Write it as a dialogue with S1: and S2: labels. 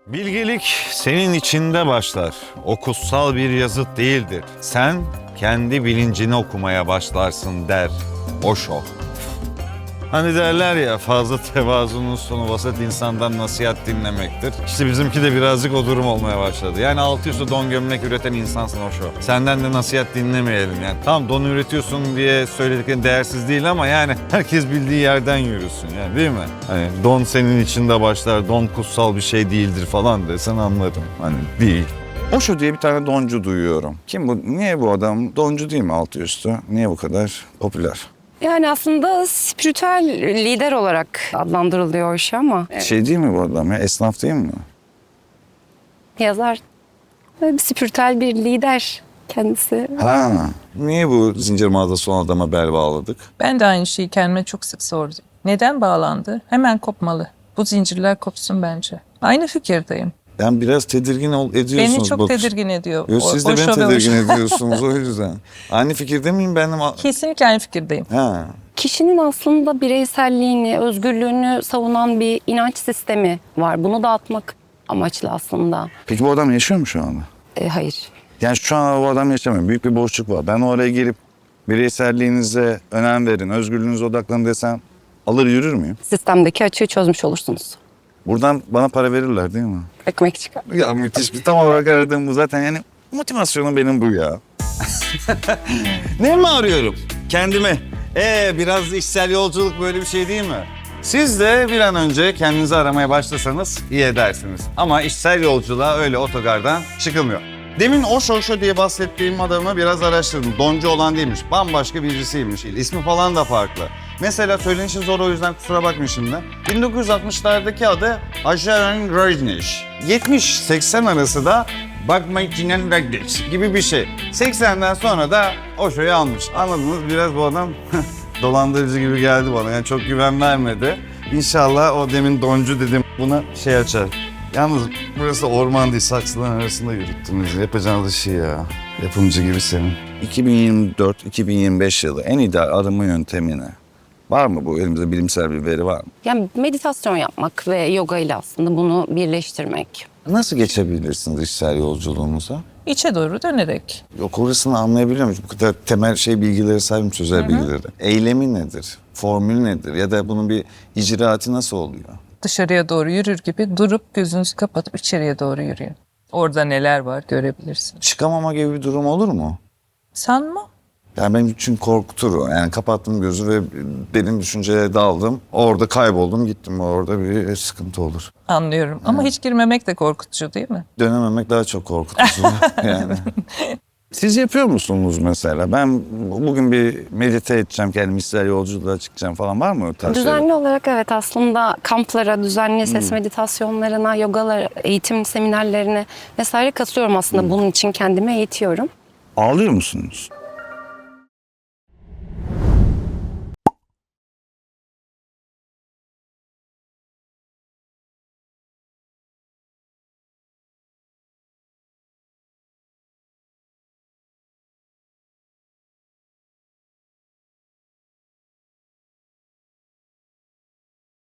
S1: Bilgelik senin içinde başlar. O kutsal bir yazıt değildir. Sen kendi bilincini okumaya başlarsın der Osho. Hani derler ya, fazla tevazunun sonu vasat insandan nasihat dinlemektir. İşte bizimki de birazcık o durum olmaya başladı. Yani altı üstü don gömlek üreten insansın Osho. Senden de nasihat dinlemeyelim yani. Tamam, don üretiyorsun diye söylediklerin değersiz değil ama yani herkes bildiği yerden yürüsün yani, değil mi? Hani don senin içinde başlar, don kutsal bir şey değildir falan desen anlarım. Hani değil.
S2: Osho diye bir tane doncu duyuyorum. Kim bu? Niye bu adam? Doncu değil mi altı üstü? Niye bu kadar popüler?
S3: Yani aslında spiritüel lider olarak adlandırılıyor Osho ama
S2: Şey değil mi bu adam ya? Esnaf değil mi?
S3: yazar ve bir spiritüel bir lider kendisi.
S2: Ha. Niye bu zincir mağazası olan adama bel bağladık?
S4: Ben de aynı şeyi kendime çok sık sordum. Neden bağlandı? Hemen kopmalı. Bu zincirler kopsun bence. Aynı fikirdeyim.
S2: Yani biraz tedirgin ediyorsunuz.
S4: Beni çok
S2: bakış.
S4: tedirgin ediyor.
S2: Yo, siz de
S4: Osho
S2: beni
S4: ve
S2: tedirgin
S4: Osho.
S2: ediyorsunuz o yüzden. Aynı fikirde miyim benim?
S4: Kesinlikle aynı fikirdeyim.
S2: Ha.
S3: Kişinin aslında bireyselliğini, özgürlüğünü savunan bir inanç sistemi var. Bunu dağıtmak amaçlı aslında.
S2: Peki bu adam yaşıyor mu şu anda?
S3: Hayır.
S2: Yani şu an o adam yaşamıyor. Büyük bir boşluk var. Ben oraya girip bireyselliğinize önem verin, özgürlüğünüze odaklanın desem alır yürür müyüm?
S3: Sistemdeki açığı çözmüş olursunuz.
S2: Buradan bana para verirler değil mi?
S3: Ekmek çıkar.
S2: Ya müthiş bir tam olarak aradığım bu zaten yani motivasyonum benim bu ya. Ne mi arıyorum? Kendime.
S1: Biraz içsel yolculuk böyle bir şey değil mi? Siz de bir an önce kendinizi aramaya başlasanız iyi edersiniz. Ama içsel yolculuğa öyle otogardan çıkılmıyor. Demin Osho diye bahsettiğim adamı biraz araştırdım. Doncu olan değilmiş, bambaşka birisiymiş. İsmi falan da farklı. Mesela söylenişi zor, o yüzden kusura bakmayın şimdi. 1960'lardaki adı Ajaran Rajneesh. 70-80 arası da Bhagavad Ragdesh gibi bir şey. 80'den sonra da Osho'yu almış. Anladınız, biraz bu adam dolandırıcı gibi geldi bana. Yani çok güven vermedi. İnşallah o demin doncu dedim buna şey açar. Yalnız burası orman değil, saksıların arasında yürüttünüz. Yapacağınız şey ya. Yapımcı gibi senin.
S2: 2024-2025 yılı en ideal arınma yöntemine var mı bu? Elimizde bilimsel bir veri var mı?
S3: Yani meditasyon yapmak ve yoga ile aslında bunu birleştirmek.
S2: Nasıl geçebilirsiniz içsel yolculuğunuza?
S4: İçe doğru dönerek.
S2: Yok, orasını anlayabiliyor muyum? Bu kadar temel bilgileri sahibim, sözel bilgileri. Eylemi nedir? Formül nedir? Ya da bunun bir icraatı nasıl oluyor?
S4: Dışarıya doğru yürür gibi durup gözünüzü kapatıp içeriye doğru yürüyün. Orada neler var görebilirsin.
S2: Çıkamama gibi bir durum olur mu?
S4: Sanma.
S2: Yani benim için korkutur o. Yani kapattım gözü ve benim düşünceye daldım. Orada kayboldum, gittim. Orada bir sıkıntı olur.
S4: Anlıyorum. Ama hiç girmemek de korkutucu değil mi?
S2: Dönememek daha çok korkutucu yani. Siz yapıyor musunuz mesela? Ben bugün bir medite edeceğim, kendimi içsel yolculuğa çıkacağım falan, var mı o tarz şeyler?
S3: Düzenli olarak evet, aslında kamplara, düzenli ses meditasyonlarına, yogalar, eğitim seminerlerine vesaire katılıyorum aslında. Bunun için kendimi eğitiyorum.
S2: Ağlıyor musunuz?